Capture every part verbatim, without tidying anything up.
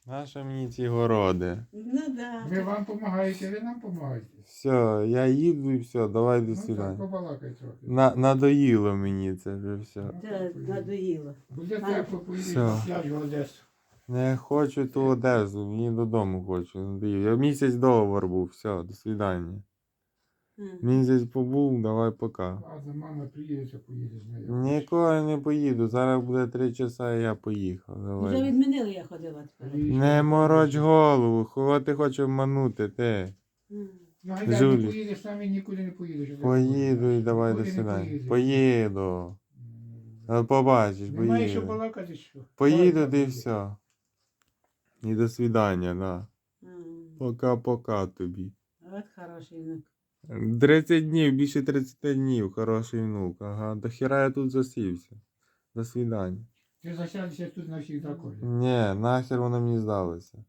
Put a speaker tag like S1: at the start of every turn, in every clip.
S1: Нащо мені ці городи?
S2: Ну да.
S3: Ви вам допомагаєте, ви нам допомагаєте.
S1: Все, я їду і все, давай до
S3: Ну так,
S1: свидання.
S3: побалакай трохи.
S1: На, надоїло мені це вже все.
S2: Це надоїло.
S3: Буде
S2: А,
S3: тепло, поїдеш
S1: все.
S3: на пляж в Одесу.
S1: Не хочу ту Одесу, мені додому хочу. Надоїло. Я місяць договор був, все, до свидання.
S2: М.
S1: Місяць побув, давай пока.
S3: Ладно, мама приїде, то поїде з нею.
S1: Ніколи не поїду, зараз буде три часа і я поїхав.
S2: Вже
S1: Давай.
S2: відмінили, я ходила тепер.
S1: Не мороч голову, кого ти хочеш обманути, ти.
S2: М.
S3: Ну, а як
S1: Жулік.
S3: не поїдеш, сам і нікуди не поїдеш.
S1: Поїду і давай до
S3: Нікуди не
S1: свидання.
S3: поїдеш.
S1: Поїду.
S3: М.
S1: От побачиш,
S3: Немає що
S1: поїду.
S3: балакати, що?
S1: Поїду
S3: Давай,
S1: ти і
S3: поїдеш.
S1: все. І до свидання, да.
S2: М.
S1: Пока-пока тобі.
S2: От хороший внук.
S1: тридцять днів, більше тридцять днів, хороший внук. Ага, до хіра я тут засівся. До свидання.
S3: Ти засядешся тут на всіх законах.
S1: Ні, нахер воно мені здалося.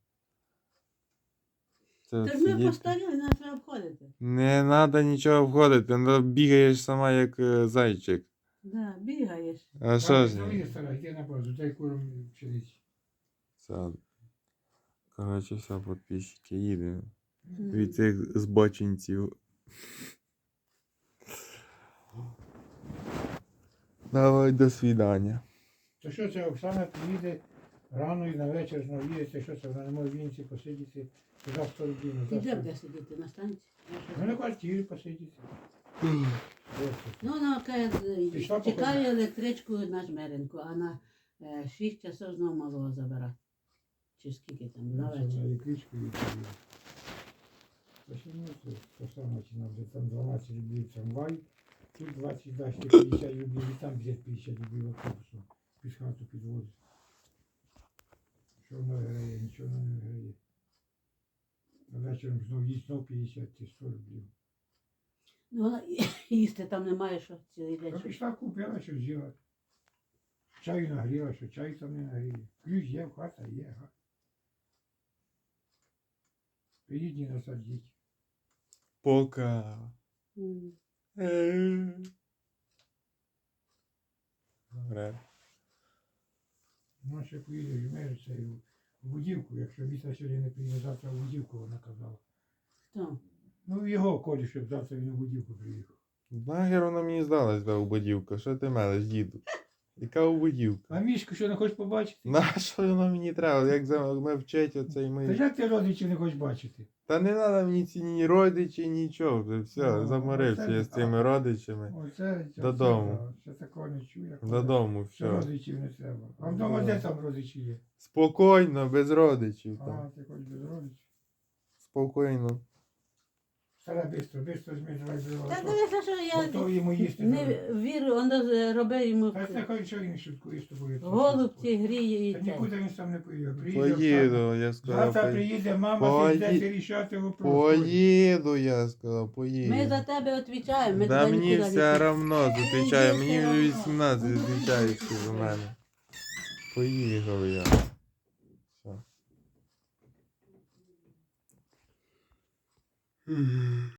S1: Це
S2: Тож ми
S1: сидіти.
S2: постаріли, нас треба обходити.
S1: Не треба нічого входити, ну, бігаєш сама як е, зайчик.
S2: Да, бігаєш.
S1: А що ж?
S3: Давай, стара, йди на базу, дай курам пшениці.
S1: Все. Коротше, все, підписчики, їдемо.
S2: М.
S1: Від цих збочинців. Давай, до свидання.
S3: То що це Оксана приїде рано і на вечір навіється, що це вона не може в Вінці посидіти, туди сто рублів
S2: І
S3: назад.
S2: де буде сидіти на станції?
S3: Ну на квартирі посидіти. Ось.
S2: Ну, вона каже,
S3: Пішла
S2: чекає
S3: походити.
S2: електричку на Жмеринку, а на е, шість часов знову малого забирати. Чи скільки там, на
S3: Це
S2: вечір.
S3: вона електричку і приїде. Почему це то саме, чи нам вже там дванадцять рублів трамвай, тут двадцять, да, ще п'ятдесят рублів, і там десь п'ятдесят рублів автобусом під хату підвозить. Що воно грає, нічого воно не грає. А вечором знов їсть знов п'ятдесят чи сто рублів.
S2: Ну, вона їсти там немає, що цілий день.
S3: А
S2: що-
S3: пішла купила, що з'їла. Чаю нагріла, що чай там не нагріє. Ключ є, в хата є, га. Приїдні насадіть.
S1: Пока.
S2: М.
S1: Добре.
S3: Ну, ще поїде в Жмериця і в Будівку, якщо Віта сьогодні не приїде, завтра в Будівку, вона казала.
S2: Хто?
S3: Ну, його колі, щоб завтра він у Будівку приїхав.
S1: Нахер воно мені здалось, та убодівка. Що ти мелеш, діду? Яка убодівка?
S3: А Мішку що не хочеш побачити?
S1: На що воно мені треба? Як за ми вчить оцей
S3: Та
S1: ми.
S3: як ти родичів не хочеш бачити?
S1: Та не треба мені ці ні родичі, нічого. Вже все,
S3: Ну,
S1: заморився
S3: оце-
S1: я з цими родичами.
S3: Оце, це,
S1: Додому.
S3: Це, ще такого не чую.
S1: Додому,
S3: Що
S1: все.
S3: родичів не треба. А вдома
S1: Ну.
S3: де там родичі є?
S1: Спокійно, без родичів
S3: А,
S1: там.
S3: ти хочеш без родичів?
S1: Спокійно.
S3: Стара бистро, бистро змій, давай
S2: Та
S3: бистро.
S2: дивися, що я
S3: Готов йому їсти.
S2: не
S3: давай.
S2: вірю, воно робить йому
S3: Та це хоч що він шуткує з тобою.
S2: голубці гріє і
S3: Та
S2: це.
S3: нікуди він сам не поїде. Приїде Оксана.
S1: Поїду, я сказав.
S3: Завтра
S1: пої-
S3: приїде мама,
S1: Пої-
S3: ти йдете рішати вопрос.
S1: Поїду, я сказав, поїду.
S2: Ми за тебе відповідаємо, ми
S1: Да
S2: туди
S1: мені
S2: нікуди
S1: все
S2: не
S1: равно, зустрічає.
S2: Мені
S1: Мені
S2: все
S1: вже
S2: равно.
S1: вісімнадцять зустрічаєш за мене. Поїхав я. Все.